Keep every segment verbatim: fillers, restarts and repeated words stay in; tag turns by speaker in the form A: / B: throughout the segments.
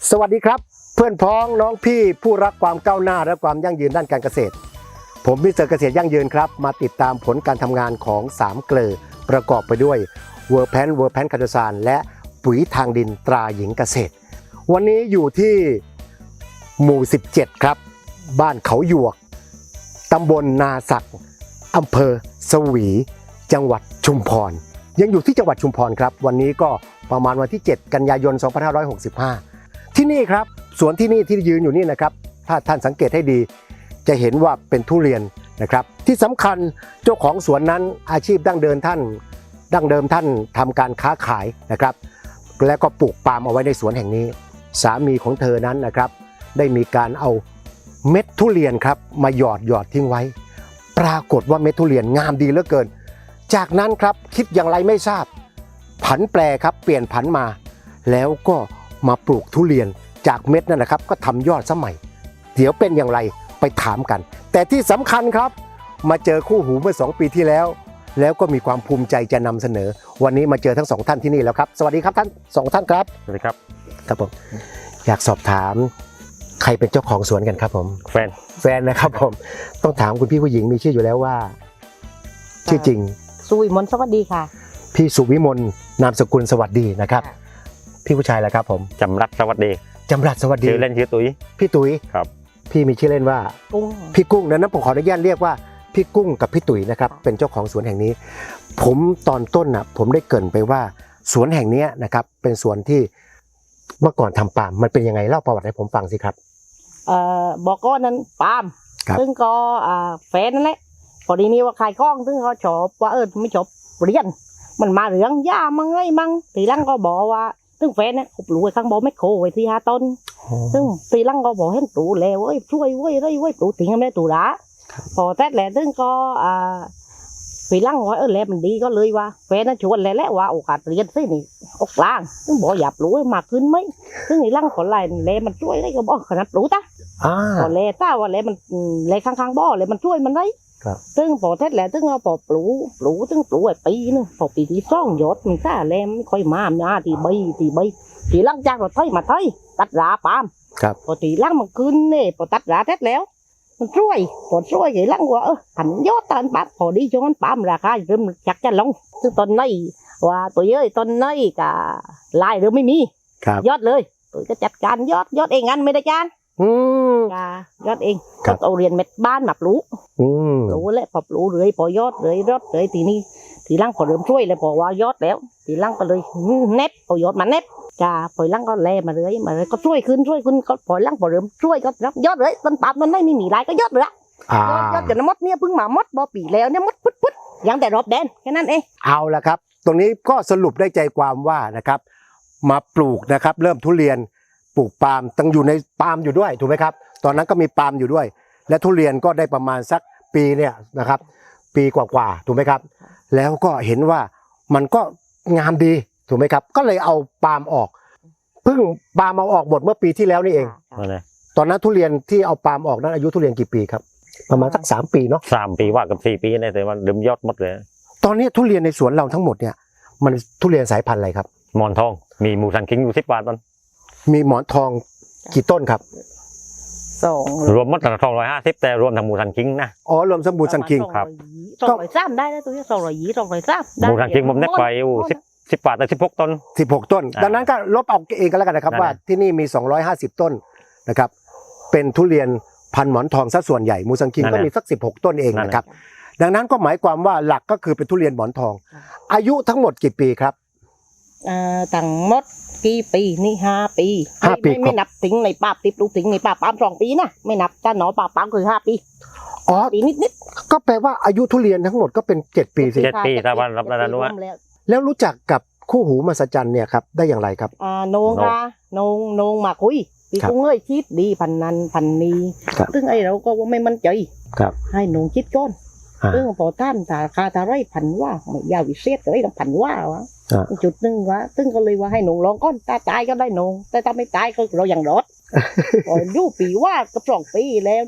A: สวัสดีครับเพื่อนพ้องน้องพี่ผู้รักความก้าวหน้าและความยั่งยืนด้านการเกษตรผมมิสเตอร์เกษตรยั่งยืนครับมาติดตามผลการทำงานของสามเกลอประกอบไปด้วยเวอร์แพนเวอร์แพนคาร์โดซานและปุ๋ยทางดินตราหญิงเกษตรวันนี้อยู่ที่หมู่สิบเจ็ดครับบ้านเขาหยวกตำบลนาสักอำเภอสวีจังหวัดชุมพรยังอยู่ที่จังหวัดชุมพรครับวันนี้ก็ประมาณวันที่เจ็ดกันยายนสองพันห้าร้อยหกสิบห้าที่นี่ครับสวนที่นี่ที่ยืนอยู่นี่นะครับถ้าท่านสังเกตให้ดีจะเห็นว่าเป็นทุเรียนนะครับที่สำคัญเจ้าของสวนนั้นอาชีพดั้งเดิมท่านดั้งเดิมท่านทำการค้าขายนะครับแล้วก็ปลูกปาล์มเอาไว้ในสวนแห่งนี้สามีของเธอนั้นนะครับได้มีการเอาเม็ดทุเรียนครับมาหยอดหยอดทิ้งไว้ปรากฏว่าเม็ดทุเรียนงามดีเหลือเกินจากนั้นครับคิดอย่างไรไม่ทราบผันแปรครับเปลี่ยนผันมาแล้วก็มาปลูกทุเรียนจากเม็ดนั่นแหละครับก็ทำยอดสมัยเดี๋ยวเป็นอย่างไรไปถามกันแต่ที่สำคัญครับมาเจอคู่หูเมื่อสองปีที่แล้วแล้วก็มีความภูมิใจจะนำเสนอวันนี้มาเจอทั้งสองท่านที่นี่แล้วครับสวัสดีครับท่านสองท่านครับ
B: สวัสดีครับ
A: ครับผมอยากสอบถามใครเป็นเจ้าของสวนกันครับผม
B: แฟน
A: แฟนนะครับผมต้องถามคุณพี่ผู้หญิงมีชื่ออยู่แล้วว่าชื่อจริง
C: สุวิมลสวัสดีค่ะ
A: พี่สุวิมลนามสกุลสวัสดีนะครับพี่ผู้ชายแหละครับผม
B: จำรัดสวัสดี
A: จำรัดสวัสดี
B: ชื่อเล่นชื่อตุ้ย
A: พี่ตุ้ย
B: ครับ
A: พี่มีชื่อเล่นว่า
C: กุ้ง
A: พี่กุ้งนั้นผมขออนุญาตเรียกว่าพี่กุ้งกับพี่ตุ้ยนะครับเป็นเจ้าของสวนแห่งนี้ผมตอนต้นนะผมได้เกริ่นไปว่าสวนแห่งนี้นะครับเป็นสวนที่เมื่อก่อนทำปาล์มมันเป็นยังไงเล่าประวัติให้ผมฟังสิครับ
C: เอ่อบอกก้อนนั้นปาล์มซึ่งก็อ่าแฟนนั่นแหละพอดีนี้ว่าขายกล้องซึ่งเขาชอบว่าเออไม่ชอบเรียนมันมาเรื่องย่ามั่งไงมั่งทีหลังก็บอกว่าซึ่งแฟนเนี่ยเขาปลูกไว้ข้างบนไม่โคไว้ที่ห้าต้นซึ่งทีหลังก็บอกให้ปลูกแล้วเว้ยช่วยเว้ยเว้ยเว้ยปลูกทิ้งไม่ปลูกละพอแท้แหละซึ่งก็อ่าทีหลังว่าเออแล้วมันดีก็เลยว่าแฟนน่ะชวนแล้วแหละว่าโอกาสเรียนสินี่ออกกลางซึ่งบอกอย่าปลูกให้มากขึ้นไหมซึ่งทีหลังคนไรแล้วมันช่วยได้ก็บอกขนาดปลูกตะพอแล้วถ้าว่าแล้วมันแล้วข้างๆบ่อแล้วมันช่วยมันได้ซึ่งพอแท้แหละซึ่งเราพอปลูกปลูกซึ่งปลูกไอ้ปีนึงพอปีที่สองยอดมันซ่าแล้วไม่ค่อยมาหน้าที่ใบที่ใบทีหลังจากเราไถมาไถตัดราปาล์มพอทีหลังมันขึ้นเนี่ยพอตัดราแท้แล้วมันช่วยพอช่วยทีหลังว่าเออหันยอดตอนปั๊บพอดีช่วงนั้นปาล์มราคาเริ่มจักจะลงซึ่งตอนนี้ว่าตัวเยอะตอนนี้ก็ลายเริ่มไม่มียอดเลยตัวก็จัดการยอดยอดเองงั้นไม่ได้จาน
A: อืม
C: ยอดเองก็เอาเรียนเม็ดบ้านมาปลูกปลูกแล้วพอปลูกเลยพอยอดเลยยอดเลยทีนี้ทีหลังพอเริ่มช่วยเลยพอว่ายอดแล้วทีหลังก็เลยเน็บพอยอดมาเน็บจ้าพอหลังก็แลมาเลยมาเลยก็ช่วยขึ้นช่วยขึ้นก็พอหลังพอเริ่มช่วยก็ยอดเลยต้นปาล์มมันไม่มีลายก็ยอดเลยยอดจนมดเนี่ยเพิ่งมามดบ่ปีแล้วเนี่ยมดพุดพุดยังแต่รอบแดนแค่นั้นเอง
A: เอาละครับตรงนี้ก็สรุปได้ใจความว่านะครับมาปลูกนะครับเริ่มทุเรียนปลูกปาล์มต้องอยู่ในปาล์มอยู่ด้วยถูกไหมครับตอนนั้นก็มีปาล์มอยู่ด้วยและทุเรียนก็ได้ประมาณสักปีเนี่ยนะครับปีกว่าๆถูกไหมครับแล้วก็เห็นว่ามันก็งามดีถูกไหมครับก็เลยเอาปาล์มออกเพิ่งปาล์มเอาออกหมดเมื่อปีที่แล้วนี่เองตอนนั้นทุเรียนที่เอาปาล์มออกนั้นอายุทุเรียนกี่ปีครับประมาณสักสามปีเนาะ
B: สามปีว่ากับสี่ปีเนี่ยแต่ว่าเริ่มยอดหมดเลย
A: ตอนนี้ทุเรียนในสวนเราทั้งหมดเนี่ยมันทุเรียนสายพันธุ์อะไรครับ
B: หมอนทองมีหมูสันคิงอยู่สิบกว่าต้น
A: มีหมอนทองกี่ต้นครับ
C: สอง
B: รวมหมดสองร้อยห้าสิบแต่รวมทั้งหมูสันคิงนะ
A: อ๋อรวมสมบูรณ์สันคิง
C: ครับสองร้อยสามได้แล้วตัวนี้สองร้อยยี่สองร้อยสาม
B: หมูสันคิงผมได้ไปอยู่สิบสิบกว่าแต่สิบหกต้น
A: สิบหกต้นดังนั้นก็ลบเอาเองกันแล้วกันนะครับว่าที่นี่มีสองร้อยห้าสิบต้นนะครับเป็นทุเรียนพันหมอนทองซะส่วนใหญ่หมูสันคิงก็มีสักสิบหกต้นเองนะครับดังนั้นก็หมายความว่าหลักก็คือเป็นทุเรียนหมอนทองอายุทั้งหมดกี่ปีครับ
C: อ่าตั้งหมดกี่ปีนี่ห้าปี
A: ห้าปี
C: ไม่นับถึงในป่าติดลูกถึงในป่าปาล์มสองปีนะไม่นับจ้าหนอป่าปาล์มคือห้าปี
A: อ๋อ
C: ปีนิดนิด
A: ก็แปลว่าอายุทุเรียนทั้งหมดก็เป็นเจ็ดปีสิ
B: เจ็ดปีตะวันรับนานุ
A: แล้วรู้จักกับคู่หูมหัศจรรย์เนี่ยครับได้อย่างไรครับ
C: อ่าโนงค่ะโนงโนงมาคุยปีกุ้งเอ้ยคิดดีพันนันพันนีซึ่งไอ้เราก็ว่าไม่มั่นใจให้โนงคิดก้อนซึ่งพอท่านถ้าคาทาไรพันว่าไม่ยาววิเศษก็ได้ต้องพันว่าวะจุดหนึ่งวะซึ่งก็เลยว่าให้หนูลองก้อนตาตายก็ได้หนูแต่ถ้าไม่ตายก็เราอย่างรอดพออยู่ปีว่ากับสองปีแล้วดิ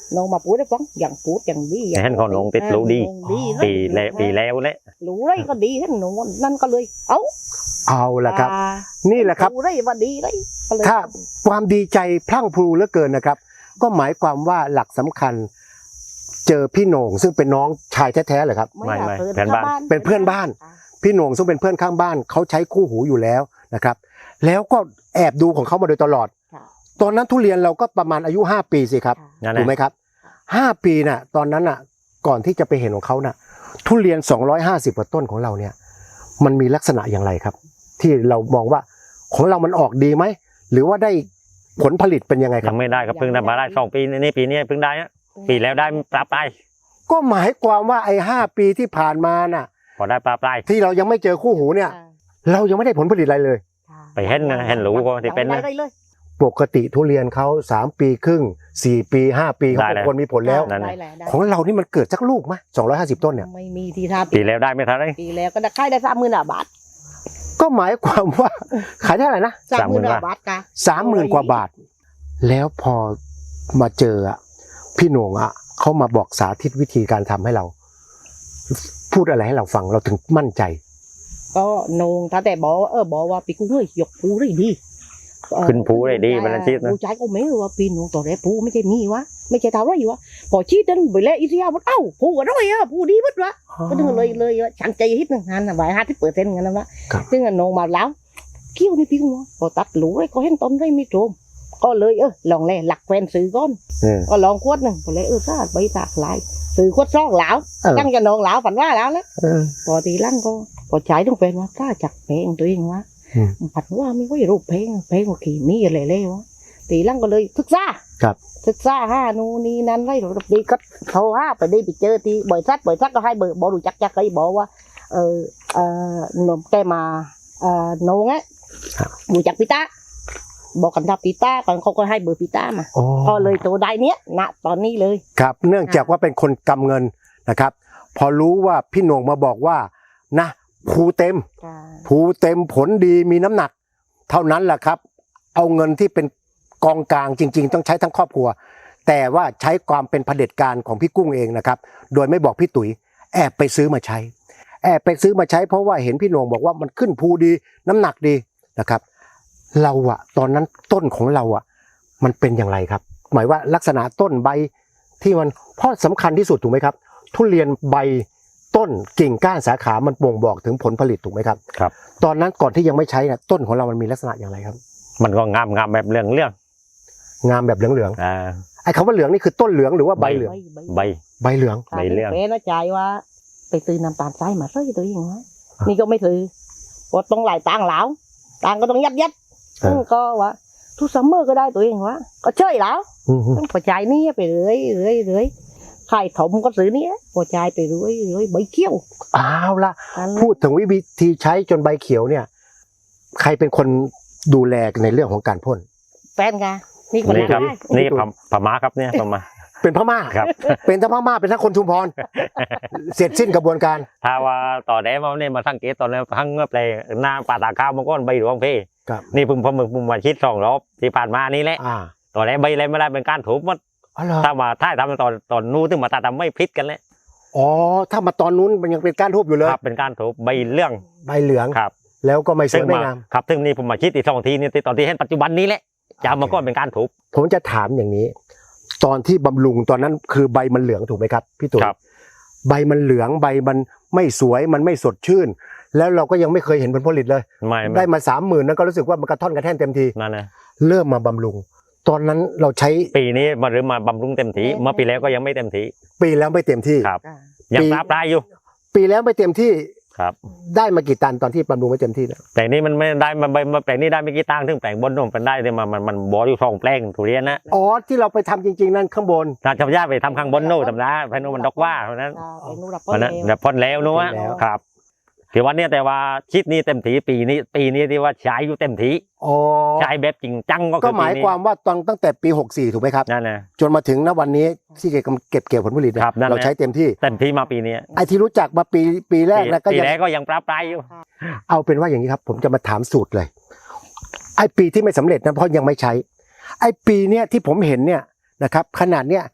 C: น้องมาพูดได้ฟังอย่างพูดอย่างดี
B: เห็นเขาน้องติดรู้ดี
C: ดีเลย
B: ปีแล้วปีแล้วแหละ
C: รู้ไรก็ดีท่านหนูนั่นก็เลย เอ้า
A: เอาละครับ
C: อ่า
A: นี่แหละครับ
C: รู้ไรว่าดีเลยก็เลย
A: ถ้าความดีใจพลั่งพลูเหลือเกินนะครับ ก็หมายความว่าหลักสำคัญ เจอพี่โหน่งซึ่งเป็นน้องชายแท้ๆเลยครับ
B: ไม่ไม่
C: อยาก
B: เพื่อนบ้าน
A: เป็นเพื่อนบ้าน พี่โหน่งซึ่งเป็นเพื่อนข้างบ้านเขาใช้คู่หูอยู่แล้วนะครับ แล้วก็แอบดูของเขามาโดยตลอด
C: ค่ะ
A: ตอนนั้นทุเรียนเราก็ประมาณอายุห้าปีสิครับ
C: ค่ะ
B: นั่นแห
A: ถูกไหม
B: ละ
A: ครับห้าปีน่ะตอนนั้นน่ะก่อนที่จะไปเห็นของเขาน่ะทุเรียนสองร้อยห้าสิบกว่าต้นของเราเนี่ยมันมีลักษณะอย่างไรครับ ที่เรามองว่าของเรามันออกดีไหมหรือว่าได้ผลผลิตเป็นยังไงค
B: ยั
A: รับ
B: งไม่ได้ครับเพิ่งได้มาได้สองปีนี่ปีนี้เพิ่งได้นะปีแล้วได้ปลาปลาย
A: ก็หมายความว่าไอ้ห้าปีที่ผ่านมาน่ะ
B: พอได้ปลาปลาย
A: ที่เรายังไม่เจอคู่หูเนี่ย เรายังไม่ได้ผลผลิตอะไรเลย
C: ค่ะ
B: ไปเห็นนะเห็นรู้ก็ที่เป็นนะ
C: ได้เลย
A: ปกติทุเรียนเขาสามปีครึ่งสี่ปีห้าปีเขา
B: ได้
A: ก็
B: แล้ว
A: ควรมีผลแล้ว
B: นั่นน่ะ
C: ได้แล้วได้
A: ของเรานี่มันเกิดสักลูกไหมสองร้อยห้าสิบต้นเนี่ย
C: ไม่มีที่ท่า
B: ปีแล้วได้ไม่ทันเลย
C: ปีแล้วก็ได้ค่ายได้สามหมื่นบาท
A: ก็หมายความว่า ขายได้เท่าไหร่นะ
C: สามหมื่น
B: สามหมื่น
C: บาทค่ะ
A: สามหมื่นกว่าบาท แล้วพอมาเจออะพี่โหน่งอะเขามาบอกสาธิตวิธีการทำให้เรา พูดอะไรให้เราฟังเราถึงมั่นใจ
C: ก็นงถ้าแต่บอกว่าเออบอกว่าปีกุ้งเฮ้ยยกปูได้ดีเอ่อ
B: ขึ้นภูได้ดีบรรลัชีพนะ
C: ผู้ชายก็ไม่รู้ว่าปีนงต่อแรกปูไม่ใช่มีวะไม่ใช่เท่าไรวะพอชี้ดันไปแล้วอีเสียมันเอ้าปูก็ร้อยอ่ะปูดีมัดวะก็ถึงเลยเลยฉันใจฮิตหนึ่งหันใบห้าที่เปิดเซ็นกันนะวะ
A: ครับ
C: ซึ่งนงมาแล้วเกี่ยวนี่ปีกุ้งวะพอตัดหลูก็เห็นต้นได้ไม่โจมก็เลยเออลองเลยหลักแฟนซื้อก้อน
B: อืม
C: ก็ลองขวดหนึ่งพอเลยเออซาดใบตากหลายซื้อขวดซองหลาว
A: เออ
C: ตั้งจะนองหลาวฝันว่าแล้วนะ
A: เออ
C: พอทีหลังก็พอใช้ต้องเป็นว่าถ้าจักเพลงตัวเองวะ
A: อืม
C: ผัดว่าไม่ค่อยรู้เพลงเพลงว่าขี่มีอะไรเลยวะทีหลังก็เลยศึกษา
A: ครับ
C: ศึกษาห้านูนนี่นั่นไรหรอกดีก็โทรห้าไปได้ไปเจอที่บ่อยซัดบ่อยซัดก็ให้เบอร์บอกรู้จักจักเคยบอกว่าเออเออหนุ่มแกมาเออโนงอ่ะ
A: ครับ
C: รู้จักปีตาบอกกันทับปีตาก่อนเขาก็ให้เบอร์ปีตามา
A: โอ้
C: ก็เลยตัวได้เนี้ยณตอนนี้เลย
A: ครับ เนื่องจากว่าเป็นคนกำเงินนะครับ พอรู้ว่าพี่โหน่งมาบอกว่านะภูเต็ม ภูเต็มผลดีมีน้ำหนัก เท่านั้นแหละครับ เอาเงินที่เป็นกองกลางจริง ๆ ต้องใช้ทั้งครอบครัว แต่ว่าใช้ความเป็นเผด็จการของพี่กุ้งเองนะครับ โดยไม่บอกพี่ตุ๋ยแอบไปซื้อมาใช้ แอบไปซื้อมาใช้เพราะว่าเห็นพี่โหน่งบอกว่ามันขึ้นภูดีน้ำหนักดีนะครับ เราอะตอนนั้นต้นของเราอะมันเป็นอย่างไรครับ หมายว่าลักษณะต้นใบที่มันเพราะสำคัญที่สุดถูกไหมครับ ทุเรียนใบต้นกิ่งก้านสาขามันบ่งบอกถึงผลผลิตถูกไหมครับ
B: ครับ
A: ตอนนั้นก่อนที่ยังไม่ใช้เนี่ยต้นของเรามันมีลักษณะอย่างไรครับ
B: มันก็งามงามแบบเรื่องเรื่อง
A: งามแบบเหลือง
B: อ่า
A: ๆไอ้คำว่าเหลืองนี่คือต้นเหลืองหรือว่าใบเหลือง
B: ใบ
A: ใบเหลือง
B: ใบเหลือง
C: เป็นนะใจว่าไปซื้อน้ำตาลทรายมาใส่ตัวเองวะนี่ก็ไม่ถือเพราะต้องหลายตังค์แล้วตังค์ก็ต้องยัดยัด
A: เออ
C: ก็ว่าทุกซัมเมอร์ก็ได้ตัวเองวะก็เชยแล้ว
A: อืม
C: ต้องปจ่ายนี่ไปเรื่อยเรื่อยเรื่อยขายถมก็ซื้อนี่ปจ่ายไปเรื่อยเรื่อยใบเขี้ยว
A: ๆอ้าวละ
C: นั่นแหละ
A: พูดถึงวิธีใช้จนใบเขียวเนี่ย ใครเป็นคนดูแลในเรื่องของการพ่น
C: แฟนกันนี่คน
B: นี่ครับ
C: ได้
B: นี่พมพม่าครับเนี่ยพม่า
A: เป็นพม่า
B: ครับ
A: เป็นทั้งพม่าเป็นทั้งคนชุมพร เสร็จสิ้นกระบวนการ
B: ถ้าว่าต่อแดมาเนี่ยมาสังเกตตอนนี้ทั้งเมื่อไปหน้าป่าตาข้าวมันก็ใบหลวงพี่
A: ครับ
B: นี่เพิ่งผมผมมาคิดสองรอบที่ผ่านมานี่แหละ
A: อ่า
B: ต่อแดใบอะไรไม่ได้เป็นการถูกหมด
A: อ๋อเหรอ
B: ถ้ามาถ้าทำตอนตอนนู้นถึงมาตาทำไม่พลิกกันเลย
A: อ๋อถ้ามาตอนนู้นมันยังเป็นก้านทูบอยู่เลย
B: ครับเป็นการถูกใบเรื่อง
A: ใบเหลือง
B: ครับ
A: แล้วก็ไม่ส
B: ซึ่
A: ว
B: ง
A: ยไม่
B: มาง
A: าม
B: ครับซึ่งนี่ผมมาคิดอีกสองทีนี่ตอนที่เห็นปัจจุบันนี้แหละจะเอามาก็เป็นการถูก
A: ผมจะถามอย่างนี้ ตอนที่บำรุงตอนนั้นคือใบมันเหลืองถูกไหมครับพี่ตุ๋ย
B: ครับ
A: ใบมันเหลืองใบมันไม่สวยมันไม่สดชื่น แล้วเราก็ยังไม่เคยเห็นผลผลิตเลย
B: ไม่ไม่
A: ได้มาสามหมื่นนั้นก็รู้สึกว่ามันกระท่อนกระแท่นเต็มที
B: นั่นนะ
A: เริ่มมาบำรุง ตอนนั้นเราใช้
B: ปีนี้มาหรือมาบำรุงเต็มทีเมื่อปีแล้วก็ยังไม่เต็มที
A: ปีแล้วไม่เต็มที่
B: ครับ
C: อ่า
B: ยัง
A: ปี
B: ปลาปลายอยู่
A: ปีแล้วไม่เต็มที่
B: ครับ
A: ได้มากี่ตันตอนที่บำรุงไม่เต็มที่แล้ว
B: แต่นี่มันไม่ได้มาใบมาแปลงนี้ได้ไม่กี่ตังค์ถึงแปลงบนนู่นเป็นได้เนี่ยมันมันมันบออยู่สองแปลงทุเรียนนะ
A: อ๋อที่เราไปทำจริง ๆ นั่นข้างบน
B: ถ้าชาวบ้านไปทำข้างบนนู่นทำนะเพราะนู่นมันดอกว่าเพราะนั้น
C: อ่าไปนู่นรับ
B: เพราะนั้น
C: แล้ว
B: แบบพ่นแล้วนู้น
A: พ่นแล้ว
B: ครับถือว่าเนี่ยแต่ว่าชิดนี้เต็มทีปีนี้ปีนี้ที่ว่าใช้อยู่เต็มที
A: อ๋อ
B: ใช้แบบจริงจังก็
A: ก็
B: คือ
A: ห
B: ปี
A: มาย
B: นี้
A: ความว่าตอนตั้งแต่ปีหกสี่ถูกไหมครับ
B: นั่นนะ
A: จนมาถึงณวันนี้ที่เก็บเก็บเกี่ยวผลผลิตเนี่ย
B: ครับนั่นแหละ
A: เราใช้เต็มที่
B: เต็มทีมาปีนี้
A: ไอ้ที่รู้จักมาปีปีแรกนะก็
B: ปี
A: ยัง
B: แรกก็ยังปลาปลายอยู่
A: เอาเป็นว่าอย่างนี้ครับ ผมจะมาถามสูตรเลย ไอ้ปีที่ไม่สำเร็จนะเพราะยังไม่ใช้ ไอ้ปีเนี้ยที่ผมเห็นเนี่ยนะครับ ขนาดเนี้ย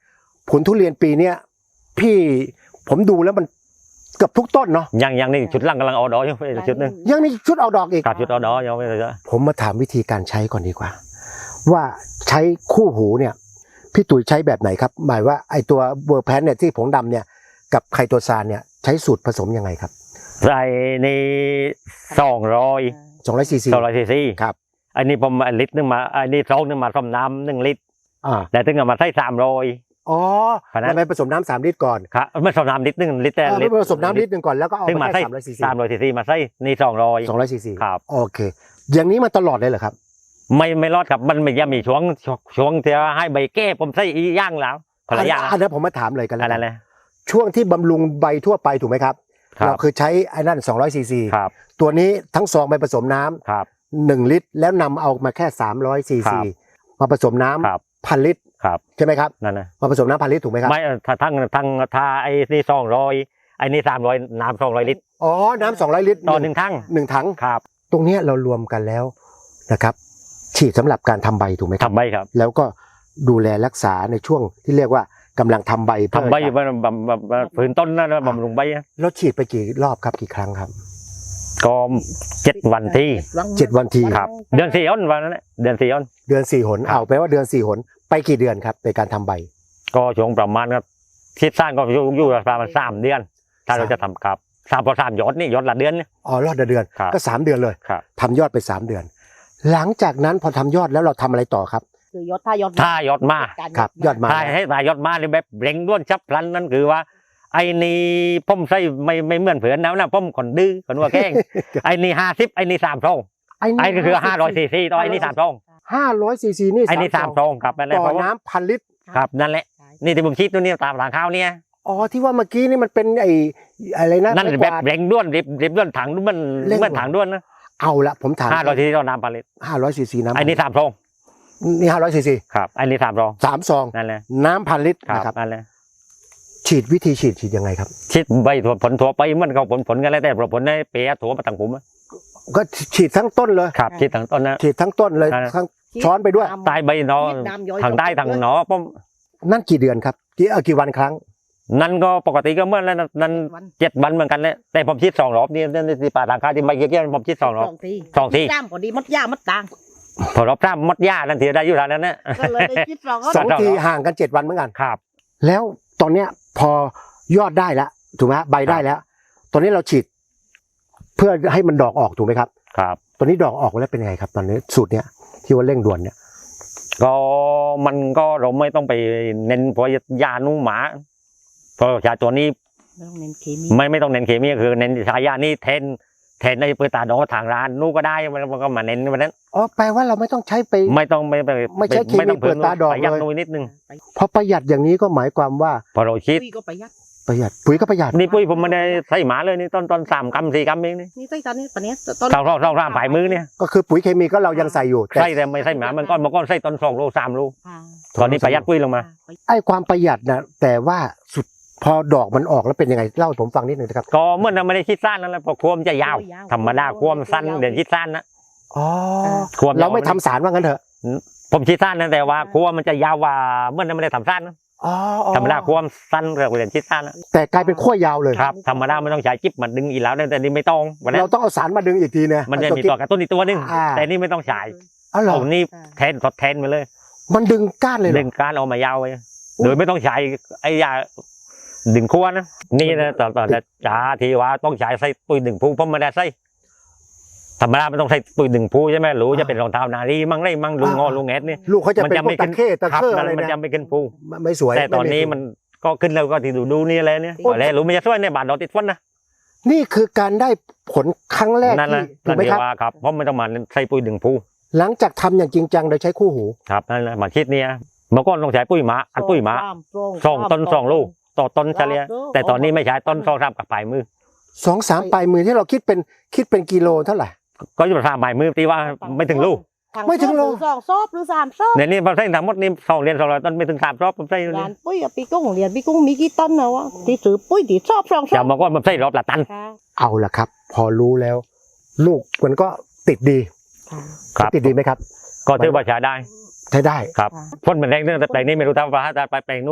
A: ผลทุเรียนปีเนี้ยพี่ผมดูแล้วมันเกือบทุกต้นเนาะ
B: ยังยังนี่ชุดล่างกำลังเอาดอกอยู่ชุดนึง
A: ยังมีชุดเอาดอกอีก
B: กับชุดเอาดอกยังไม่เลย
A: ผมมาถามวิธีการใช้ก่อนดีกว่า ว่าใช้คู่หูเนี่ยพี่ตุ๋ยใช้แบบไหนครับหมายว่าไอตัวเวอร์แพนเนี่ยที่ผงดำเนี่ยกับไคโตซานเนี่ยใช้สูตรผสมยังไงครับ
B: ใส่ในสองร้อย
A: สองร้อยซีซี
B: สองร้อยซีซี
A: ครับ
B: อันนี้ผมลิตรนึงมาอันนี้ซองนึงมาต้มน้ำหนึ่งลิตร
A: อ่า
B: แต่ถึงเอามาใส่สามร้อย
A: อ๋อ
B: เพราะฉะนั้น
A: มันไปผสมน้ำสามลิตรก่อน
B: ครับไม่ต้มน้ำลิตรนึงลิตรแต่
A: เออ
B: ลิตร
A: ผสมน้ำลิตรหนึ่งก่อนแล้วก็เอา
B: ถึงมา
A: มา
B: ใส่
A: แค่สามร้อยซีซี
B: สามร้อยซีซีมาใส่นี่สองร้อย
A: สองร้อยซีซี
B: ครับ
A: โอเค อย่างนี้มาตลอดเลยเหรอครับ
B: ไม่ไม่รอดครับมันไม่ยังมีช่วงช่วงที่ให้ใบแก้ผมใส่อีย่างแล้วคนละอย่าง
A: อันนั้นผมมาถามเลยกันแล้ว
B: อะไร
A: กัน
B: เลย
A: ช่วงที่บำรุงใบทั่วไปถูกไหมครับ
B: ครับ
A: เราคือใช้ไอ้นั่นสองร้อยซีซี
B: ครับ
A: ตัวนี้ทั้งซองไปผสมน้ำ
B: ครับ
A: หนึ่งลิตร แล้วนำเอามาแค่สามร้อยซี
B: ครั
A: ซี
B: บ
A: มาผสมน้
B: ครับ
A: ำพันลิตร
B: ครับ
A: ใช่ไหมครับ
B: นั่นนะ
A: มาผสมน้ำพันลิตรถูกไหมครับ
B: ไม่ถ้าทั้งทั้งถ้าไอ้นี่สองร้อยไอ้นี่สามร้อยน้ำสองร้อยลิตร
A: อ๋อ น้ำสองร้อยลิตร
B: ต่อหนึ่งทั้ง
A: หนึ่งถัง
B: ครับ
A: ตรงเนี้ยเรารวมกันแล้วนะครับ ฉีดสำหรับการทำใบถูกไหมครับ
B: ทำใบครับ
A: แล้วก็ดูแลรักษาในช่วงที่เรียกว่ากำลังทำใบเพื่อ
B: ทำใบ
A: จะ
B: บำบำบำบำฝืนต้นนะบำรุงใบนะ
A: แล้วฉีดไปกี่รอบครับกี่ครั้งครับ
B: ก็เจ็ดวันที่
A: เจ็ดวันที
B: ครับ เดือนสี่อ้นวันนั้นแหละเดือนสี่อ้น
A: เดือนสี่หน
B: ครับ
A: เอาไปลว่าเดือนสี่หนไปกี่เดือนครับในการทำใบ
B: ก็ช่วงประมาณครับคิดสร้างก็อยู่อยู่ประมาณสามเดือน ถ้าเราจะทำครับสามพอสามยอดนี่ยอดละเดือนเนี่ย
A: อ๋อรอดเดือน
B: ครับ
A: ก็สามเดือนเลย
B: ครับ
A: ทำยอดไปสามเดือน หลังจากนั้นพอทำยอดแล้วเราทำอะไรต่อครับ
C: คือยอดถ้ายอด
B: ถ้ายอดมา
A: ครับยอดมา
B: ถ้าให้ตายยอดมาเลยแบบเร่งด้วนชับพลันนั่นคือว่า ไอ้นี่ผมใส่ไม่ไม่เหมือนเผื่อนนะนะผมคนดื้อคนว่าแกล้ง ไอ้นี่ห้าสิบไอ้นี่สามซองไอ้ก็คือห้าร้อยซีซีต่อไอ้นี่สามซอง
A: ห้าร้อยซีซีนี่
B: ไอ้นี่สามซองครับนั่นแหละ
A: ต่อ
B: เพราะว่า
A: น้ำพันลิตร
B: ครับนั่นแหละนี่ที่ผมคิดตัวนี้ตามหลังข้าวเนี่ย
A: อ๋อที่ว่าเมื่อกี้นี่มันเป็นไอ้อะไรนะ
B: นั่น
A: ไม้ก
B: แบ
A: วา
B: บ
A: ด
B: เร่งด้วนริบริบด้วนถังด้วนมัน
A: เร่ง
B: เหมือนถังด้วนนะ
A: เอาละผมถาม
B: ห้าร้อยซีซีต่อน้ำผลิต
A: ห้าร้อยซีซีน้ำ
B: ไอ้นี่สามซอง
A: นี่ห้าร้อยซีซี
B: ครับไอ้นี่สามซอง
A: สามซอง
B: นั่นแหละ
A: น้ำพันลิตร
B: ครับ
A: นะครับ
B: นั่นแหละ
A: ฉีดวิธีฉีดฉีดยังไงครับ
B: ชิดใบถั่วผลถั่วไปมันก็ผลผลกันแล้วแต่ผลในเปียถั่วมาต่างผมอะ
A: ก็ฉีดทั้งต้นเลย
B: ครับชิดทั้งต้นนะ
A: ฉีดทั้งต้นเลย
B: นั่นแหละ
A: ทั้งช้อนไปด้วย
B: ใต้ใบหนอทางใต้ทางหนอผม
A: นั่นกี่เดือนครับกี่เออกี่วันครั้ง
B: นั่นก็ปกติก็เหมื่อนแล้วนะนั่นเจ็ดวันเหมือนกันเลยแต่ผมชิดสองรอบนี่นั่นที่ป่าทางค้าที่ใบเกี้ยวๆผมชิดสองรอบ
C: ที
B: สองที
C: จ้ามพอดีมัดยามัดต่าง
B: พอรอบสามมดหญ้านั่นทีได้อยู่ทางนั้นนะ
C: ก็เลยได้คิดเราก็
A: สองทีห่างกันเจ็ดวันเหมือนกัน
B: ครับ
A: แล้วตอนเนี้ยพอยอดได้แล้วถูกไหมฮะใบได้แล้ว ตอนนี้เราฉีด เพื่อให้มันดอกออกถูกไหมครับ
B: ครับ
A: ตอนนี้ดอกออกแล้วเป็นยังไงครับ ตอนนี้สูตรเนี้ยที่ว่าเร่งด่วนเนี่ย
B: ก็มันก็เราไม่ต้องไปเน้นเพราะยาหนูหมาเพราะยาตัวนี้
C: ไม่ต้องเน้นเคมี
B: ไม่ไม่ต้องเน้นเคมีคือเน้นใช้ยานี่แทนแทนในเปิดตาดองทางร้านนู้ก็ได้มันมันก็มาเน้นวันนั้น
A: อ๋อแปลว่าเราไม่ต้องใช้ไป
B: ไม่ต้องไม่ไป
A: ไม่ใช่เคมี
B: ต้อง
A: เปิดตาดอก
B: ประหยัด
A: เลย
B: หน่อยนิดนึง
A: พอประหยัดอย่างนี้ก็หมายความว่า
B: พอเราคิด
C: ปุ้ยก็ประหยัด
A: ประหยัดปุ๋ยก็ประหยัด
B: นี่ปุ้ยผมไม่ได้ใส่หมาเลยนี่ต้นต้นสามกรัมสี่กรัมเองนี่
C: นี่ใส่ตอนนี้ปะเนี้ย
B: สองสองสองสามฝ่ายมือเนี่ย
A: ก็คือปุ๋ยเคมีก็เรายังใส่อยู่แต่
B: ใส่แต่ไม่ใส่หมามันก้อนมันก้อนใส่ต้นสองโลสามโล
C: ค่ะ
B: ตอนนี้ประหยัดปุ้ยลงมา
A: ไอ้ความประหยัดนะแต่ว่าสุดพอดอกมันออกแล้วเป็นยังไงเล่าให้ผมฟังนิดหนึ่งนะครับ
B: ก็เมื่อนั้นไม่ได้คิดสั้นนั่นแหละเพราะควมจะยาว ธรรมดาควมสั้นเดี๋ยวคิดสั้นนะ
A: อ๋อ
B: ควมยว
A: เราไม่ทำสารว่างั้นเถอะ
B: ผมคิดสั้นนะแต่ว่าควมมันจะยาวกว่าเมื่อนั้นไม่ได้ทำสั้นนะ
A: อ๋ออ๋อ
B: ธรรมดาควมสั้นเรียกว่าเรียนคิดสั้นนะ
A: แต่กลายเป็นขั้วยาวเลย
B: ครับธรรมดาไม่ต้องใช้จิ๊บมันดึงอีกแล้วแต่นี่ไม่ต้องวันนั้น
A: เราต้องเอาสารมาดึงอีกทีนะ
B: มันจะมีตัวกระตุ้นอีกตัวหนึง
A: อ่า
B: แต่นี่ไม่ต้องใช้
A: อ๋อเหรอ
B: ผมนี่แทนทดแทนไปเลย
A: มันดึงก้านเลยเหร
B: ดึ
A: อง
B: การเอามายาวไปโดยไม่ต้องใช้ไอ้ยาดึงขั้วนะนี่นะตอนตอนจ้าทีว่าต้องใช้ใส่ปุ๋ยดึงผู้ผมไม่ได้ใส่ธรรมดามันต้องใส่ปุ๋ยดึงผู้ใช่ไหมหรู้จะเป็นรองเท้านารีมั่งไรมั่งลุงงอลุงแอดนี่
A: ลูกเขาจะ
B: มัน
A: เป็น
B: จะ
A: พว
B: ไม่
A: กตะ
B: ขึ้น
A: เข้ตะ
B: ครับ
A: เข้
B: นั่
A: อะไร
B: นมัน
A: นะ
B: จะไม่ขึ้นผู้
A: ไม่สวย
B: แต่ตอนนี้
A: ไ
B: มันก็ขึ้นแล้วก็ที่ดูดูนี่เลยเนี่ยแล้วรู้ไม่จะช่วยในบ้านเราติดฝนนะ
A: นี่คือการได้ผลครั้งแรก
B: นั่น
A: ที่
B: นะ
A: ถู
B: นั่
A: ก
B: น
A: ไหม
B: ที่
A: ครับ
B: ว่าครับเพราะไม่ต้องมาใส่ปุ๋ยดึงผู้
A: หลังจากทำอย่างจริงจังโดยใช้คู่หู
B: ครับนั่นแหละมาคิดเนี่ยเมื่อก่อนต้องใช้ปุ๋ยหมาอัดปุ๋ยหมาสองต้นสองลูกต่อต้นเฉลี่ยแต่ตอนนี้ไม่ใช้ต้นสองสามกับปลายมือ
A: สองสามปลายมือที่เราคิดเป็นคิดเป็นกิโลเท่าไหร่
B: ก็อยู่ประมาณปลายมือที่ว่าไม่ถึงลูก
A: ไม่ถึงโล
C: สองซอบหรือสามซอบ
B: ในนี้ผมใส่ทั้งหมดนี่สองเรียนสองร้อยต้นไม่ถึงสามรอบผมใส่เลย
C: ร้านปุ้ยกับปีกุ้งเรียนปีกุ้งมีกี่ต้นนะวะที่ซื้อปุ้ยที่ชอบสองซ
B: จะ
C: อบ
B: บอกว่าผมใส่รอบละตัน
C: ค่ะ
A: เอาละครับ พอรู้แล้ว ลูกมันก็ติดดี
C: ค่ะ
B: ครับ
A: ติดดีไหมครับ
B: ก็ถือว่าใช้ได้
A: ใช้ได้
B: ครับพ่นเหมือนแรงเรื่องแต่แปลงนี้ไม่รู้ทำว่าแต่แปลงนู้น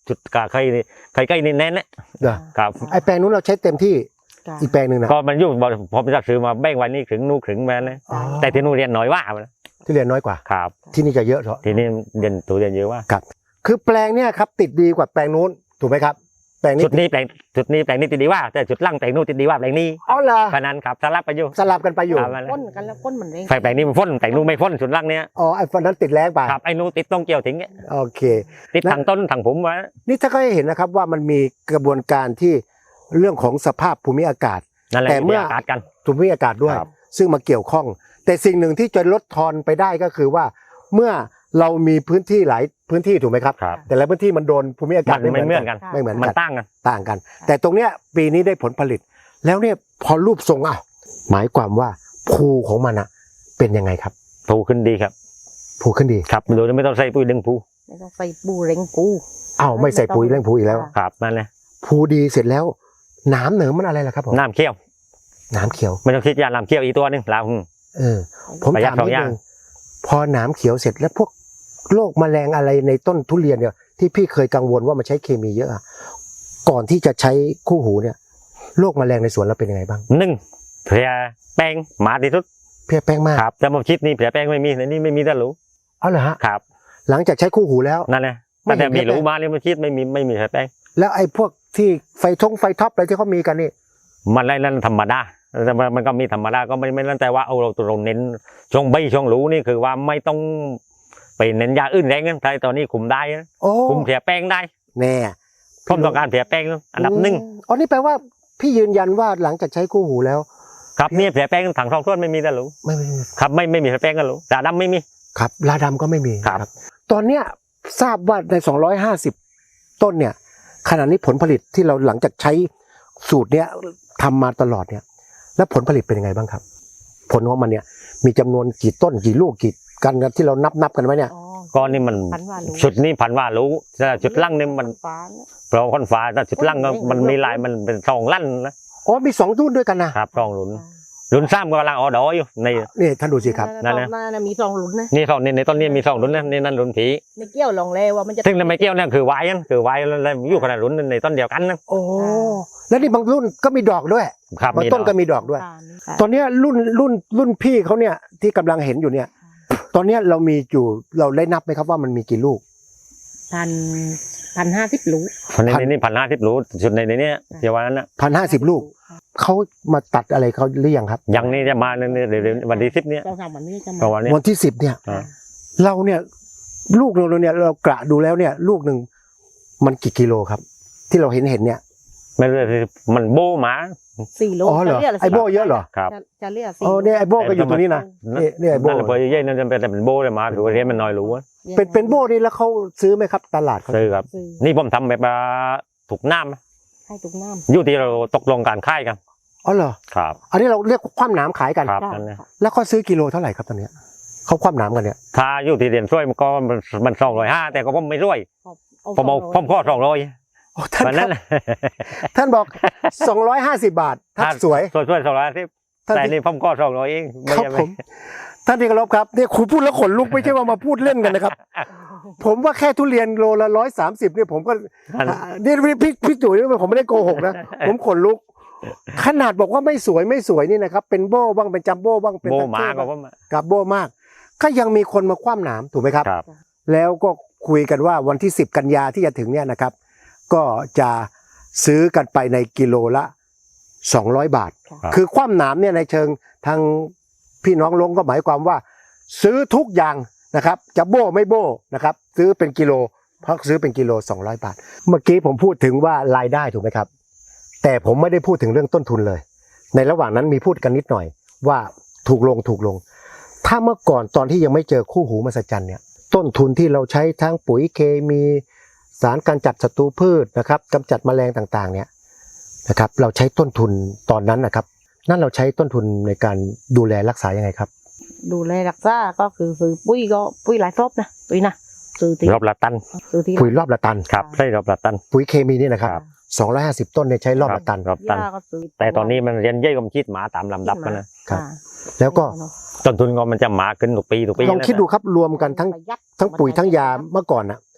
B: จุดกาไข่นี่ไข่ไก่นี่แน่นนะ
A: เด้อ
B: ครับ
A: ไอแปลงนู้นเราใช้เต็มที่
C: จ้ะ
A: อีกแปลงหนึ่งนะ
B: ก็มันอยู่บ่ผมจะซื้อมาแบ่งไว้นี่ถึงนู่นถึงมานะ
A: อ๋อ
B: แต่ที่นู่นเรียนน้อยว่านะ
A: ที่เรียนน้อยกว่า
B: ครับ
A: ที่นี่จะเยอะเถอะ
B: ที่นี่เรียนตัวเรียนเยอะว่า
A: คือแปลงเนี่ยครับติดดีกว่าแปลงนู้นถูกไหมครับแปลงนี้
B: จุดนี้แปลงจุดนี้แปลงนี้ติดดีว่า แต่จุดล่างแปลงนู่นติดดีว่าแปลงนี้
A: อ๋อเหรอ
B: เพราะนั้นครับสลับไปอยู่
A: สลับกันไปอยู่
B: ครับ
C: ก้นกันแล้วก้นมันเร่ง
B: แปลงนี้มันพ่นแปลงนู่นไม่พ่นจุดล่างเนี้ย
A: อ๋อไอ้ฟันนั้นติดแรงไป
B: ครับไอ้นู่นติดต้องเกี่ยวถึงเนี้ย
A: โอเค
B: ติดทางต้นทางผมวะ
A: นี่ถ้าก็ให้เห็นนะครับว่ามันมีกระบวนการที่เรื่องของสภาพภูมิอากาศ
B: นั่นแหละ
A: แต่เมื่อ
B: อากาศกัน
A: ภูมิอากาศด้วย
B: ครับ
A: ซึ่งมาเกี่ยวข้อง แต่สิ่งหนึ่งที่จะลดทอนไปได้ก็คือว่า เมื่อเรามีพื้นที่หลายพื้นที่ถูกไหมครับ
B: ครับ
A: แต่ละพื้นที่มันโดนภูมิอา
B: มั
A: กาศ
B: นไม่เหมือนกัน
A: ไม่เหมือน
B: มัน
A: กัน
B: ตั้งกัน
A: ต่างกัน แต่ตรงเนี้ยปีนี้ได้ผลผลิต แล้วเนี่ยพอรูปทรงอ่ะหมายความว่าภูของมันอ่ะเป็นยังไงครับ
B: ผูขึ้นดีครับ
A: ภูขึ้นดี
B: ครับโดยไม่ต้องใส่ปุ๋ยดึงผู
C: ไม่ต้องใส่ปูเร่งปู
A: อ้าวไม่ใส่ปุ๋ยเรื่องภูอีกแล้ว
B: ครับนั่นแหละ
A: ภูดีเสร็จแล้วหน้ำเหนือมันอะไรล่ะครับผม
B: น้ำเคี่ยว
A: น้ำเขียว
B: ไม่ต้องคิดยาน้ำเคี่ยวอีกตัวหนึงลาว
A: เออ ผม
B: ประหยัด
A: ถาม
B: สอง
A: นิด
B: อย่าง
A: นึงพอหน้ำเขียวเสร็จแล้วพวกโรคแมลงอะไรในต้นทุเรียนเนี่ยที่พี่เคยกังวลว่ามันใช้เคมีเยอะอะก่อนที่จะใช้คู่หูเนี่ยโรคแมลงในสวนเราเป็นยังไงบ้าง
B: หนึ่งเพียแป้งหมาที่สุด
A: เพี้ยแป้งมาก
B: ครับแต่มาคิดนี่เพียแป้งไม่มีในนี่ไม่มีแต่รู้
A: เอาเหรอฮะ
B: ครับ
A: หลังจากใช้คู่หูแล้ว
B: นั่นแหละ
A: ไม่
B: แต่
A: เห็น
B: แต่มี
A: เพี้ยแป้ง
B: รู้มาเนี่ยมาคิดไม่มีไม่มีเพียแป้ง
A: แล้วไอ้พวกที่ไฟทงไฟท็อปอะไรที่เขามีกันนี่
B: มันอะไรนั่นธรรมดาแต่มันมันก็มีธรรมดาก็ไม่ไม่นั่นแต่ว่าเอาเราตัวเราเน้นช่วงใบช่วงรู้นี่คือว่าไม่ต้องไปเน้นยาอื่นแรงนะใช่ตอนนี้คุมได้นะ
A: โอ้
B: คุมเพียแป้งได้
A: แน่
B: ผมต้องการเพียแป้งอันดับหนึ่ง
A: อ๋อนี่แปลว่าพี่ยืนยันว่าหลังจากใช้คู่หูแล้ว
B: ครับเนี่ยเพียแป้งถังทองท้วนไม่มีแต่รู้
A: ไม่ไม่ไม่
B: ครับไม่ไม่มีเพียแป้งก็รู้แต่ดำไม่มี
A: ครับลาดำก็ไม่มี
B: ครับ
A: นะตอนเนี้ยทราบว่าในสองร้อยห้าสิบต้นเนี่ยขณะนี้ผลผลิตที่เราหลังจากใช้สูตรเนี้ยทำมาตลอดเนี่ยแล้วผลผลิตเป็นยังไงบ้างครับ ผลของมันเนี่ยมีจำนวนกี่ต้นกี่ลูกกี่กันที่เรานับนับกันไว้เนี่ย
C: อ๋อ
B: ก้อนนี่มัน
C: พันว่ารู้
B: ชุดนี้พันว่ารู้แต่จุดล่างนี่มัน
C: ฟ้าเนี่ย
B: เพราะคนฟ้าแต่จุดล่างก็มันมีลายมันเป็นสองลั่นนะ
A: อ๋อมีสองรุ่นด้วยกันนะครับ
B: สองหลุนหลุนซ้ำก็กำลังออดออยู่ใน
A: นี่ท่านดูสิครับ
B: นั่นแหละ
C: นั่นนะมีสองหลุนนะ
B: นี่สองในในต้นนี้มีสองหลุนนะนี่นั่นหลุนผี
C: ไม่เกี่ยวลองเลว่ามันจะ
B: ซึ่งในไม่เกี่ยวเนี่ยคือวายนั่นคือวายแล้วอยู่ขนาดหลุนในต้นเดียวกันนะ
A: โอ้แล้วนี่บางรุ่นก็มีดอกด้วย
B: ครับ
A: บาง
B: มี
A: ต้น
B: ด
A: ก็
B: อก
A: มีดอกด้วย
C: ค่ะ
A: ตอนเนี้ยรุ่นรุ่นรุ่นพี่เขาเนี่ยที่กำลังเห็นอยู่เนี่ย ตอนเนี้ยเรามีอยู่เราได้นับไหมครับว่ามันมีกี่ลูก
C: พันพันห้าสิบลูก
B: ในในนี่พันห้าสิบหลุนจุดในในเนี้ยเดี๋ยววันนั้นนะ
A: พันห้าสิบลูกเขามาตัดอะไรเขาหรือยังครับ
B: ยังนี่จะมาในเดี๋ยววันที่สิบเนี้ย
C: เจ้าสามวันนี้จะ
B: ประ
C: มา
B: มาณเนี้ย
A: วันที่สิบเนี่ย
B: อ่า
A: เราเนี่ยลูกเราเนี่ยเรากระดูแล้วเนี่ยลูกหนึ่งมันกี่กิโลครับ ที่เราเห็นเห็นเนี่ย
B: ไม่รู้มันโบหมา
C: สี่โล
A: อ๋อเหรอ
C: จะยกะ
A: ไอโบเยอะเหรอ
B: ครับ
C: จะจะเรียกสี่
A: อ๋อเนี่ยไอโบก็อยู่ตรงนี้นะนี่นี่ไอโบ
B: นั่นแหละพอเย่นั่นจะเป็นแต่เป็นโบเลยมาคือว่าเรียนมันน้อยรู้อะ
A: เป็นเป็นโบนี่แล้วเขาซื้อไหมครับ ตลาดเขา
B: ซื้อครับ
C: ซื้อ
B: นี่ผมทำแบบว่าถูกน้ำนะ
C: ให้ตุกน้
B: อยู่ที่เราตกลงการค่ายกัน
A: อ๋อเหรอ
B: ครับ
A: อันนี้เราเรียกคว่ำหนามขายกัน
B: ครับ
C: ำ
B: นั่นนะ
A: แล้วเขาซื้อกิโลเท่าไหร่ครับตอนเนี้ยเขาคว่ำหนามกันเนี่ย
B: ถ้าอยู่ที่เรียนช่วยมันก็มันมันสองร้อยห้าแต่ก็ผมไม่ช่วยผมเอาผมข้อสองร้อย
A: โอ้ท่าน
B: วัน
A: ค
B: นั้
A: รับ
B: น
A: ท่านบอกสองร้อยห้าสิบบาทถ้าสวย
B: ช่วยช่วยสองร้อยที่
A: ท่าน
B: แต่
A: ที่
B: นี่ผมข้อสองร้อยเองไม่
A: ครับ
B: ใช่ไห
A: ผมท่านที่เคารพครับเนี่ยคุณพูดแล้วขนลุกไม่ใช่ว่ามาพูดเล่นกันนะครับ ผมว่าแค่ทุเรียนโลละร้อยสามสิบเนี่ยผมก็
B: มัน
A: นี่พี่พี่จุ๋ยผมไม่ได้โกหกนะ ผมขนลุก ขนาดบอกว่าไม่สวยไม่สวยนี่นะครับ เป็นโบ้บ้างเป็นจัมโบ้บ้างเป็น
B: โบ
A: ทัพ
B: หมา
A: เทพ
B: ก็
A: บ้าง
B: ผมอะ
A: กับโบ้มาก ก็ยังมีคนมาคว่ำหนามถูกไหมครับ
B: ครับ
A: แล้วก็คุยกันว่าวันที่สิบกันยาที่จะถึงเนี่ยนะครับ ก็จะซื้อกันไปในกิโลละสองร้อยบาท
B: ครับ
A: คือคว่ำหนามเนี่ยในเชิงทางพี่น้องลงก็หมายความว่า ซื้อทุกอย่างนะครับ จะโบ้ไม่โบ้นะครับ ซื้อเป็นกิโลเพราะซื้อเป็นกิโลสองร้อยบาท เมื่อกี้ผมพูดถึงว่ารายได้ถูกไหมครับ แต่ผมไม่ได้พูดถึงเรื่องต้นทุนเลย ในระหว่างนั้นมีพูดกันนิดหน่อยว่าถูกลงถูกลง ถ้าเมื่อก่อนตอนที่ยังไม่เจอคู่หูมหัศจรรย์เนี่ยต้นทุนที่เราใช้ทั้งปุ๋ยเคมีสารการจัดศัตรูพืชนะครับกำจัดแมลงต่างๆเนี่ยนะครับเราใช้ต้นทุนตอนนั้นนะครับนั่นเราใช้ต้นทุนในการดูแลรักษายังไงครับ
C: ดูแลรักษาก็คือซื้อปุ้ยก็ปุ้ยหลายรอบนะปุ้ยนะซื้อที่
B: รอบละตัน
C: ซื้อที่
A: ปุ๋ยรอบละตัน
B: ครับใช่รอบละตัน
A: ปุ๋ยเคมีนี่นะครับสองร้อยห้าสิบต้นเนี่ยใช้รอบละตัน
B: รอบตัน
C: ยาก็ซื้อ
B: แต่ตอนนี้มันเรียนเย่ยกำชิดหมาตามลำดับกันนะครับ
A: แล้วก็
B: ต้นทุนก็มันจะหมาขึ้นทุกปีทุกปี
A: ลองคิดดูครับรวมกันทั้ง
C: ประหยัด
A: ทั้งปุ๋ยทั้งยาเมื่อก่อนนะ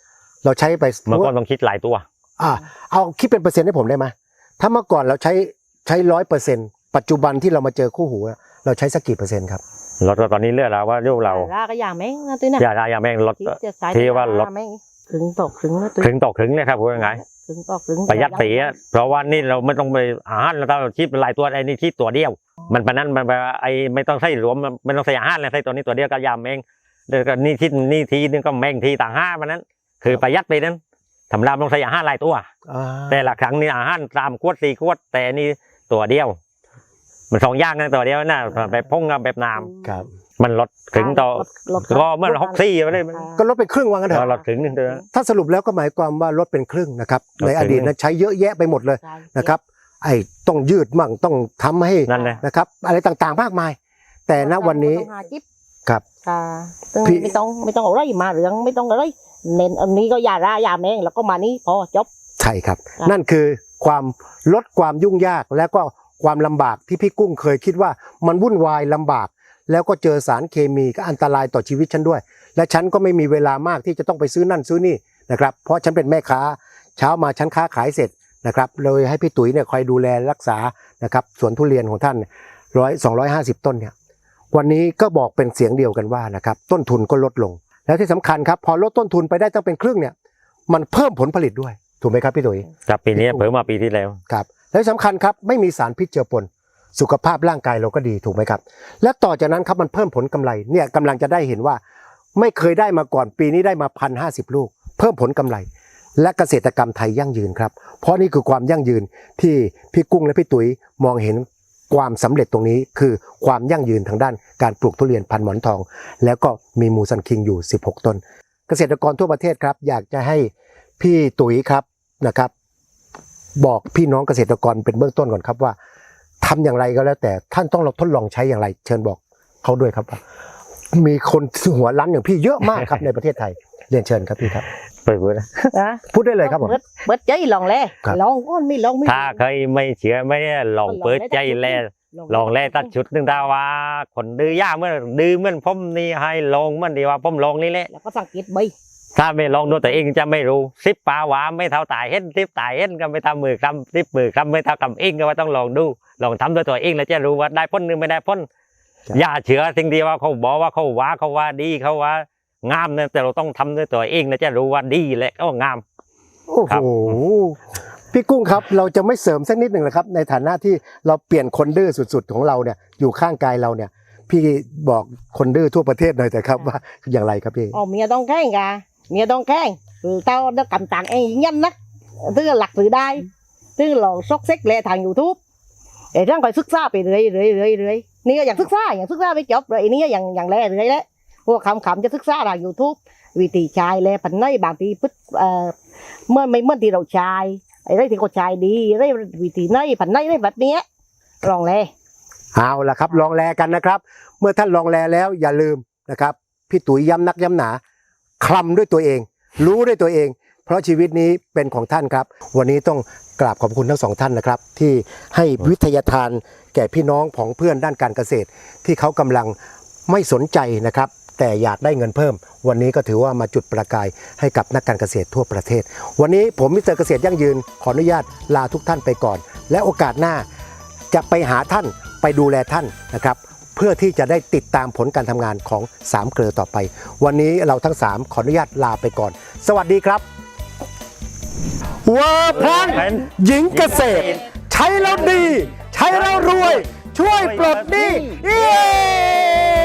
A: เราใช้ไป
B: เมื่อก่อนต้องคิดหลายตัว
A: อ่าเอาคิดเป็นเปอร์เซ็นต์ให้ผมได้ไหมถ้าเมื่อก่อนเราใช้ใช้ร้อยเปอร์เซ็นต์ปัจจุบันที่เรามาเจอคู่หูอะเราใช้สักกี่เปอร์เซ็นต์ครับ
B: รถตอนนี้เลือกแล้วว่าเรื่องเรา
C: ราก็อย่างแม่งนะตุ้ยนะ
B: อย่าได้อย่าแม่งรถ
C: จะใส่
B: ที่ว่ารถ
C: แม่งครึ่งต่อครึ่งนะตุ้ย
B: ครึ่งต่อครึ่งเลยครับพูดง่าย
C: ครึ่งต่อครึ่ง
B: ๆประหยัดสีอะเพราะว่านี่เราไม่ต้องไปอาหารเราต้องคิดเป็นหลายตัวไอ้นี่คิดตัวเดียว มันปะนั้นมันไอ้ไม่ต้องใส่รวมไม่ต้องใส่อาหารเลยใส่ตัวนี้ตัวเดียวก็ยำเองเดี๋ยวก็นี่คิดนี่ทีนึงก็แม่งทีต่างห้ามันนั้นคือประหยัดไปนั้นทำรามต้องใส่อาหารหลายตัว
A: อ่า
B: แต่ละครั้งนี่อาหารสามขวดสี่ขวดแต่นี่ตัวเดียว มันสองอย่างนะตัวเดียวนะแบบพงกับแบบน้
A: ครับ
B: ำมันลดถึงต่อ
C: รถ
B: ก็เมื่อหกสี่ไปเลย
A: ก็ลดเป็นครึ่งว่างั้นเถ
B: เรา
A: อะ
B: ลดถึงนึงเดียว
A: ถ้าสรุปแล้วก็หมายความว่าลดเป็นครึ่งนะครับ
B: ลด
A: ใน
B: ครึ่ง
A: อดีตนะใช้เยอะแยะไปหมดเลย
C: ใช่
A: นะครับ ไอ้ต้องยืดมั่งต้องทำให้
B: นั่นเลย
A: นะครับ อะไรต่างๆมากมาย แต่ณวันนี้
C: ต้องหาจิ๊บ
A: ครับ
C: ค่ะซึ่ง
A: พี่
C: ไม่ต้องไม่ต้องเอาอะไรมาเรื่องไม่ต้องอะไรเน้นอันนี้ก็อย่าราอย่าแม่งแล้วก็มานี้พอจบ
A: ใช่ครับ
C: ครับ
A: นั่นคือความลดความยุ่งยากและก็ความลำบากที่พี่กุ้งเคยคิดว่ามันวุ่นวายลำบาก แล้วก็เจอสารเคมีก็อันตรายต่อชีวิตฉันด้วย และฉันก็ไม่มีเวลามากที่จะต้องไปซื้อนั่นซื้อนี่นะครับเพราะฉันเป็นแม่ค้าเช้ามาฉันค้าขายเสร็จนะครับเลยให้พี่ตุ๋ยเนี่ยคอยดูแลรักษานะครับสวนทุเรียนของท่านร้อยสองร้อยห้าสิบต้นเนี่ยวันนี้ก็บอกเป็นเสียงเดียวกันว่านะครับต้นทุนก็ลดลง แล้วที่สำคัญครับพอลดต้นทุนไปได้ตั้งเป็นครึ่งเนี่ยมันเพิ่มผลผลิตด้วยถูกไหมครับพี่ตุ๋ย
B: จากปีนี้เพิ่มมาปีที่แล้ว
A: ครับและที่สำคัญครับไม่มีสารพิษเจือปนสุขภาพร่างกายเราก็ดีถูกไหมครับและต่อจากนั้นครับมันเพิ่มผลกำไรเนี่ยกำลังจะได้เห็นว่าไม่เคยได้มาก่อนปีนี้ได้มาพันห้าสิบลูก เพิ่มผลกำไร และเกษตรกรรมไทยยั่งยืนครับเพราะนี่คือความยั่งยืนที่พี่กุ้งและพี่ตุ๋ยมองเห็นความสำเร็จตรงนี้คือความยั่งยืนทางด้านการปลูกทุเรียนพันหมอนทอง แล้วก็มีมูซันคิงอยู่สิบหกต้น เกษตรกรทั่วประเทศครับอยากจะให้พี่ตุ๋ยครับนะครับ บอกพี่น้องเกษตรกรเป็นเบื้องต้นก่อนครับว่าทำอย่างไรก็แล้วแต่ท่านต้องทดลองใช้อย่างไร เชิญบอกเขาด้วยครับว่ามีคนหัวรั้นอย่างพี่เยอะมากครับ ในประเทศไทยเรียนเชิญครับพี่ครับ
B: เปิดเผยนะ
C: นะ
A: พูดได้เลยครับผม
C: เบิดเบิดใจลองแล
A: ครับ
C: ลองก้อนไม่ลองไม่
B: ถ้าเคยไม่เชื่อไม่ได้ลองเปิดใจแลลองแลตัดชุดหนึ่งตาว่าคนดื้อย่าเมื่อดื้อเหมื่อนผมนี่ให้ลองเหมื่อนดีว่าผมลองนี่แหละ
C: แล้วก็สังเกตใบ
B: ถ้าไม่ลองดูตัวเองจะไม่รู้สิบปลาหวาไม่เท่าตายเห็นสิบตายเห็นก็ไม่เท่ามือคำสิบมือคำไม่เท่ากำเองก็ว่าต้องลองดูลองทำด้วยตัวเองแล้วจะรู้ว่าได้พ้นหรือไม่ได้พ้น
A: ครับ
B: อย่าเชื่อสิ่งที่ว่าเขาบอกว่าเขาว่าเขาว่าดีเขาว่างามนะแต่เราต้องทำด้วยตัวเองแล้วจะรู้ว่าดีและก็งาม
A: โอ้
B: ครั
A: โห
B: บ
A: พี่กุ้งครับเราจะไม่เสริมสักนิดหนึ่งนะครับในฐานะที่เราเปลี่ยนคนดื้อสุดๆของเราเนี่ยอยู่ข้างกายเราเนี่ยพี่บอกคนดื้อทั่วประเทศหน่อยแต่ครับว่าอย่างไรครับพี่
C: อ๋อเมียต้องแข่งกะเมียต้องแข่งคือเต้าได้กำตังเองnhanhนักtức làหลักสื่อได้tức là sốc xếp lệ thằng YouTube để rằng phải sức xaไปเรื่อยเรื่อยเรื่อยเรื่อยนี่ก็อย่างศึกษาอย่างศึกษาไปจบเลยนี่ก็อย่างอย่างแรกเลยแหละพวกคำคำจะศึกษาทาง YouTube วิธีใช้แลผันในบางทีพึ่เอ่อเมื่อไม่เมื่อที่เราใช้ไอ้ไรที่เขาใช้ดีไรวิธีในผันในไรแบบเนี้ยลองแล
A: เอาละครับลองแลกันนะครับ เมื่อท่านลองแลแล้วอย่าลืมนะครับพี่ตุ๋ยย้ำนักย้ำหนาคลำด้วยตัวเอง รู้ด้วยตัวเอง เพราะชีวิตนี้เป็นของท่านครับ วันนี้ต้องกราบขอบคุณทั้งสองท่านนะครับ ที่ให้วิทยาทานแก่พี่น้องของเพื่อนด้านการเกษตร ที่เขากำลังไม่สนใจนะครับ แต่อยากได้เงินเพิ่ม วันนี้ก็ถือว่ามาจุดประกายให้กับนักการเกษตรทั่วประเทศ วันนี้ผมมิสเตอร์เกษตรยั่งยืนขออนุญาตลาทุกท่านไปก่อน และโอกาสหน้าจะไปหาท่านไปดูแลท่านนะครับ เพื่อที่จะได้ติดตามผลการทำงานของสามเกลือต่อไป วันนี้เราทั้งสามขออนุญาตลาไปก่อน สวัสดีครับเวอร์แพนหญิงเกษตร ใช้แล้วดี ใช้แล้วรวย ช่วยปลดหนี้เย้